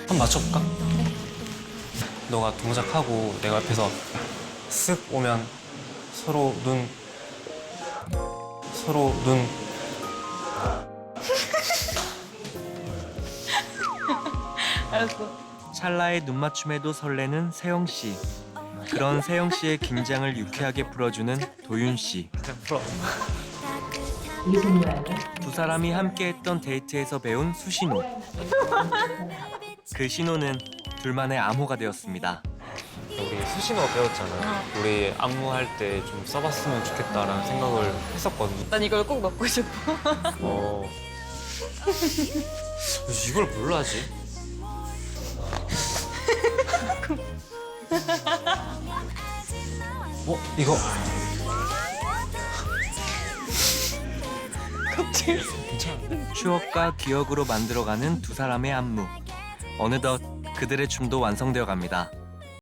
한번 맞춰볼까? 너가 동작하고 내가 옆에서 쓱 오면 서로 눈 알았어. 찰나의 눈맞춤에도 설레는 세영 씨. 그런 세영 씨의 긴장을 유쾌하게 풀어주는 도윤 씨. 풀어. 두 사람이 함께했던 데이트에서 배운 수신호. 그 신호는 둘만의 암호가 되었습니다. 우리 수신호 배웠잖아. 우리 안무할 때 좀 써봤으면 좋겠다라는 생각을 했었거든. 난 이걸 꼭 넣고 싶어. 이걸 뭘로 하지? 이거 갑자기. 추억과 기억으로 만들어가는 두 사람의 안무. 어느덧 그들의 춤도 완성되어 갑니다.